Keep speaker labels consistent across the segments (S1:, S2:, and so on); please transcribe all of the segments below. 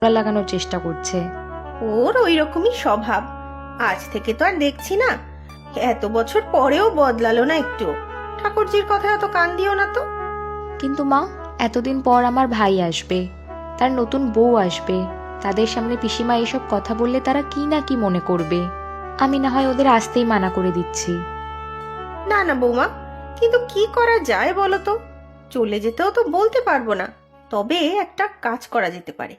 S1: লাগানোর চেষ্টা করছে।
S2: ওর ওই রকমই স্বভাব। আজ থেকে তো আর দেখছি না, এত বছর পরেও বদলালো না একটু। ঠাকুরজির কথা এত কান দিও না তো।
S1: কিন্তু মা, এতদিন পর আমার ভাই আসবে, তার নতুন বউ আসবে, তাদের সামনে পিসিমা এসব কথা বললে তারা কি না কি মনে করবে। আমি না হয় ওদের আসতেই মানা করে দিচ্ছি।
S2: না না বৌমা, কিন্তু কি করা যায় বলো তো? চলে যেতেও তো বলতে পারবো না, তবে একটা কাজ করা যেতে পারে।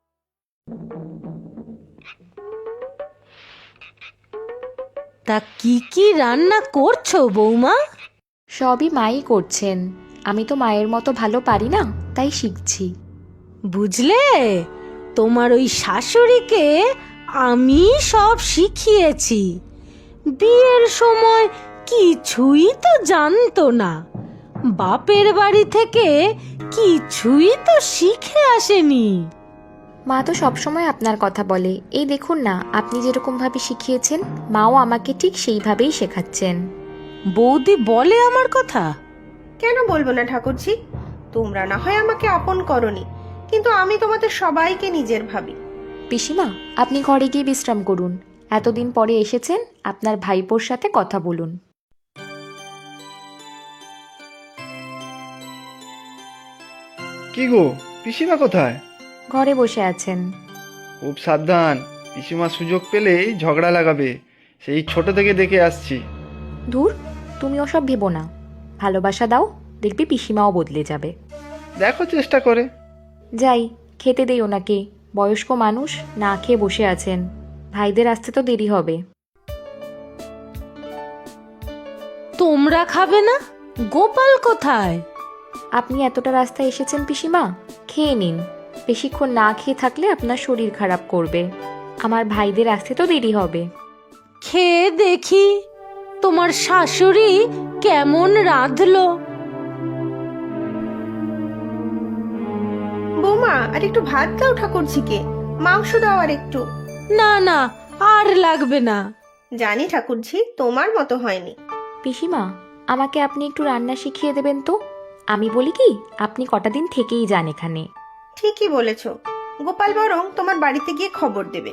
S3: তা কি কি রান্না করছো বৌমা?
S1: সবই মাই করছেন, আমি তো মায়ের মতো ভালো পারি না, তাই শিখছি।
S3: বুঝলে, তোমার ওই শাশুড়িকে আমি সব শিখিয়েছি। বিয়ের সময় কিছুই তো জানতো না, বাপের বাড়ি থেকে কিছুই তো শিখে আসেনি।
S1: মা তো সবসময় আপনার কথা বলে, এই দেখুন না, আপনি যেরকম ভাবে শিখিয়েছেন মাও আমাকে ঠিক সেইভাবেই শেখাচ্ছেন।
S3: বৌদি বলে আমার কথা?
S2: কেন বলবো না ঠাকুরজি? তোমরা না হয় আমাকে আপন করনি, কিন্তু আমি তোমাদের সবাইকে নিজের ভাবি।
S1: পিসিমা, আপনি ঘরে গিয়ে বিশ্রাম করুন, এতদিন পরে এসেছেন, আপনার ভাইপোর সাথে কথা বলুন।
S4: কি গো, পিসিমা কোথায়?
S1: ঘরে বসে আছেন।
S4: খুব সাবধান, পিসিমা সুযোগ পেলেই ঝগড়া লাগাবে, সেই ছোট থেকে দেখে আসছি।
S1: ধুর, তুমি ওসব ভেবো না, ভালোবাসা দাও, দেখবি পিসিমাও বদলে যাবে।
S4: দেখো চেষ্টা করে।
S1: যাই, খেতে দেই ওনাকে, বয়স্ক মানুষ, না খেয়ে বসে আছেন, ভাইদের আসতে তো দেরি হবে।
S3: তোমরা খাবে না? গোপাল কোথায়?
S1: আপনি এতটা রাস্তা এসেছেন পিসিমা, খেয়ে নিন, বেশিক্ষণ না খেয়ে থাকলে আপনার শরীর খারাপ করবে, আমার ভাইদের আসতে তো দেরি হবে।
S3: খেয়ে দেখি তোমার শাশুড়ি কেমন রাঁধলো।
S2: বৌমা, আর একটু ভাত দাও ঠাকুরজিকে, মাংস দাও আর একটু।
S3: না না, আর লাগবে না।
S2: জানি ঠাকুরজি তোমার মতো হয়নি।
S1: পিসিমা, আমাকে আপনি একটু রান্না শিখিয়ে দেবেন তো? আমি বলি কি, আপনি কটা দিন থেকেই যান এখানে।
S2: ঠিকই বলেছ, গোপাল বরং তোমার বাড়িতে গিয়ে খবর দেবে।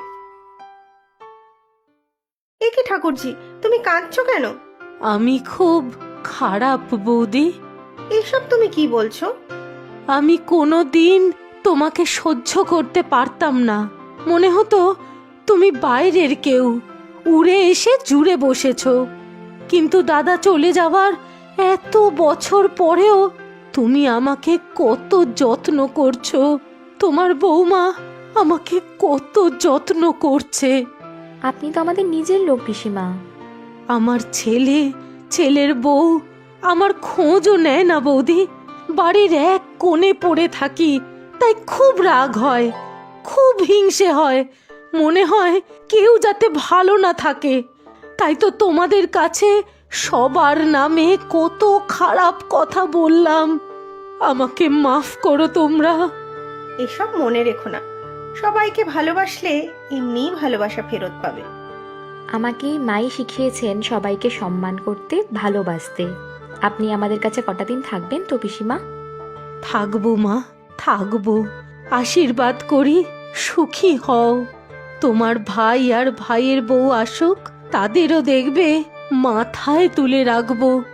S2: এ কি ঠাকুরজি, তুমি কাঁদছো কেন?
S3: আমি খুব খারাপ বৌদি।
S2: এইসব তুমি কি বলছো?
S3: আমি কোনো দিন তোমাকে সহ্য করতে পারতাম না, মনে হতো তুমি বাইরের কেউ, উড়ে এসে জুড়ে বসেছো। কিন্তু দাদা চলে যাওয়ার এত বছর পরেও তুমি আমাকে কত যত্ন করছো। তোমার বৌমা আমাকে কত যত্ন করছে।
S1: আপনি তো আমাদের নিজের লোক পিসিমা।
S3: আমার ছেলে, ছেলের বউ আমার খোঁজও নেয় না বৌদি। বাড়ির এক কোণে পড়ে থাকি, তাই খুব রাগ হয়, খুব হিংসে হয়, মনে হয় কেউ যাতে ভালো না থাকে। তাই তো তোমাদের কাছে সবার নামে কত খারাপ কথা বললাম। আমাকে মাফ করো তোমরা।
S2: এসব মনে রেখো না, সবাইকে ভালোবাসলে এমনিই ভালোবাসা ফেরত পাবে।
S1: আমাকে মাই শিখিয়েছেন সবাইকে সম্মান করতে, ভালোবাসতে। আপনি আমাদের কাছে কটা দিন থাকবেন তো পিসিমা?
S3: থাকবো মা, থাকবো। আশীর্বাদ করি সুখী হও। তোমার ভাই আর ভাইয়ের বউ আসুক, তাদেরও দেখবে মাথায় তুলে রাখবো।